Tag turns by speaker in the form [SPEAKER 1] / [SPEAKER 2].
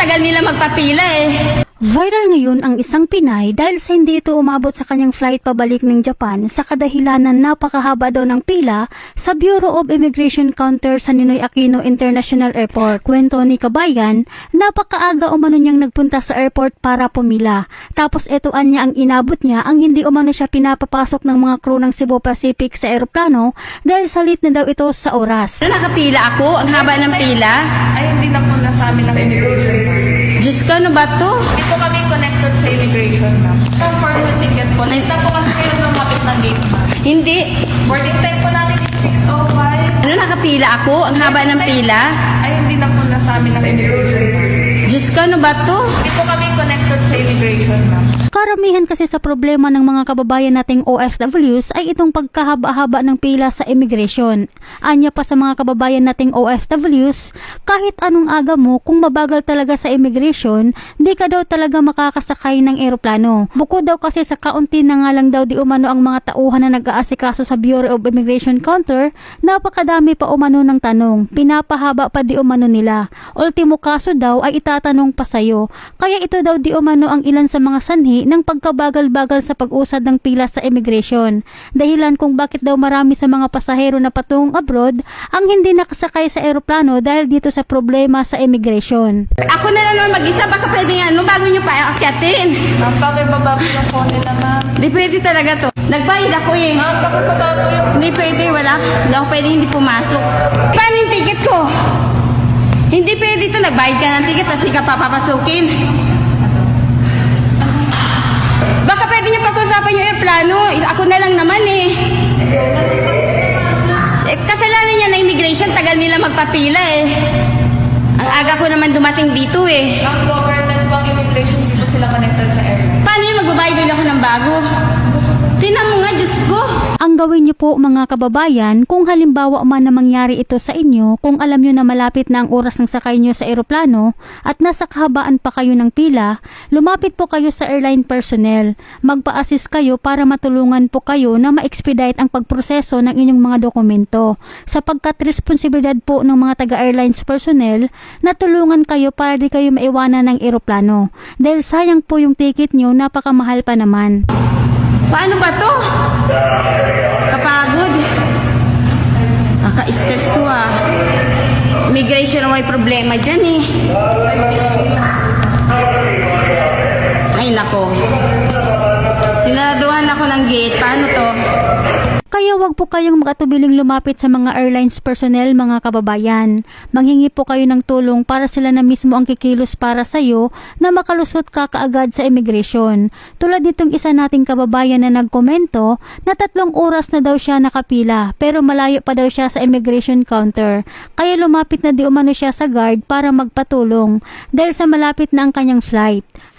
[SPEAKER 1] tagal nila magpapila eh.
[SPEAKER 2] Viral ngayon ang isang Pinay dahil sa hindi ito umabot sa kanyang flight pabalik ng Japan sa kadahilanan napakahaba daw ng pila sa Bureau of Immigration Counter sa Ninoy Aquino International Airport. Kwento ni Kabayan, napakaaga umano niyang nagpunta sa airport para pumila. Tapos etuan niya ang inabot niya ang hindi umano siya pinapapasok ng mga crew ng Cebu Pacific sa eroplano dahil salit na daw ito sa oras.
[SPEAKER 1] Nakapila ako, ang haba ng pila.
[SPEAKER 3] Ay, hindi na po na sa amin ng immigration.
[SPEAKER 1] Diyos ko, ano ba to?
[SPEAKER 3] Hindi po kami connected sa immigration, ma'am. Confirm yung ticket po. Late na po kasi kayo lumapit ng gate, ma'am.
[SPEAKER 1] Hindi.
[SPEAKER 3] Boarding time po natin is 6:05.
[SPEAKER 1] Nakapila ako, ang haba ng pila.
[SPEAKER 3] Ay, hindi na po na sa amin ng immigration, ma'am.
[SPEAKER 1] Diyos ko, ano ba to?
[SPEAKER 3] Hindi po kami connected sa immigration, ma'am.
[SPEAKER 2] Karamihan kasi sa problema ng mga kababayan nating OFWs ay itong pagkahaba-haba ng pila sa immigration. Anya pa sa mga kababayan nating OFWs, kahit anong aga mo, kung mabagal talaga sa immigration, di ka daw talaga makakasakay ng eroplano. Bukod daw kasi sa kaunti na nga lang daw di umano ang mga tauhan na nag-aasikaso sa Bureau of Immigration Counter, napakadami pa umano ng tanong, pinapahaba pa di umano nila. Ultimo kaso daw ay itatanong pa sayo. Kaya ito daw di umano ang ilan sa mga sanhi ng pagkabagal-bagal sa pag-usad ng pila sa immigration. Dahilan kung bakit daw marami sa mga pasahero na patungong abroad ang hindi nakasakay sa eroplano dahil dito sa problema sa immigration.
[SPEAKER 1] Ako na lang naman mag-isa, baka pwede nga, bago nyo pa akyatin.
[SPEAKER 3] Ma'am, bakit baba po yung phone nila, ma'am?
[SPEAKER 1] Hindi pwede talaga to. Nagbayad ako eh.
[SPEAKER 3] Ma'am, bakit baba po yung...
[SPEAKER 1] Hindi pwede, wala. Hindi ako pwede hindi pumasok. Paano yung ticket ko? Hindi pwede to, nagbayad ka ng ticket, tapos hindi ka papapasukin. Baka pwede niyo pag-usapan yung airplano. Ako na lang naman eh. Kasalanan niya na immigration, tagal nila magpapila eh. Ang aga ko naman dumating dito eh.
[SPEAKER 3] Ma'am, government bang immigration, hindi po sila connected sa airline?
[SPEAKER 1] Paano yung magbabayad ako ng bago? Tinan mo nga, Diyos ko.
[SPEAKER 2] Ang gawin niyo po mga kababayan, kung halimbawa man na mangyari ito sa inyo, kung alam niyo na malapit na ang oras ng sakay niyo sa eroplano at nasa kahabaan pa kayo ng pila, lumapit po kayo sa airline personnel. Magpa-assist kayo para matulungan po kayo na ma-expedite ang pagproseso ng inyong mga dokumento. Sapagkat responsibilidad po ng mga taga-airlines personnel na tulungan kayo para di kayo maiwanan ng eroplano. Dahil sayang po yung ticket niyo, napakamahal pa naman.
[SPEAKER 1] Paano ba to? Kapagod. Kaka-stress to ah. Immigration ang may problema dyan eh. Ay nako. Sinaraduhan ako ng gate. Paano to?
[SPEAKER 2] Kaya wag po kayong mag-atubiling lumapit sa mga airlines personnel mga kababayan. Manghingi po kayo ng tulong para sila na mismo ang kikilos para sa iyo na makalusot ka kaagad sa immigration. Tulad nitong isa nating kababayan na nagkomento na 3 oras na daw siya nakapila pero malayo pa daw siya sa immigration counter. Kaya lumapit na di umano siya sa guard para magpatulong dahil sa malapit na ang kanyang flight.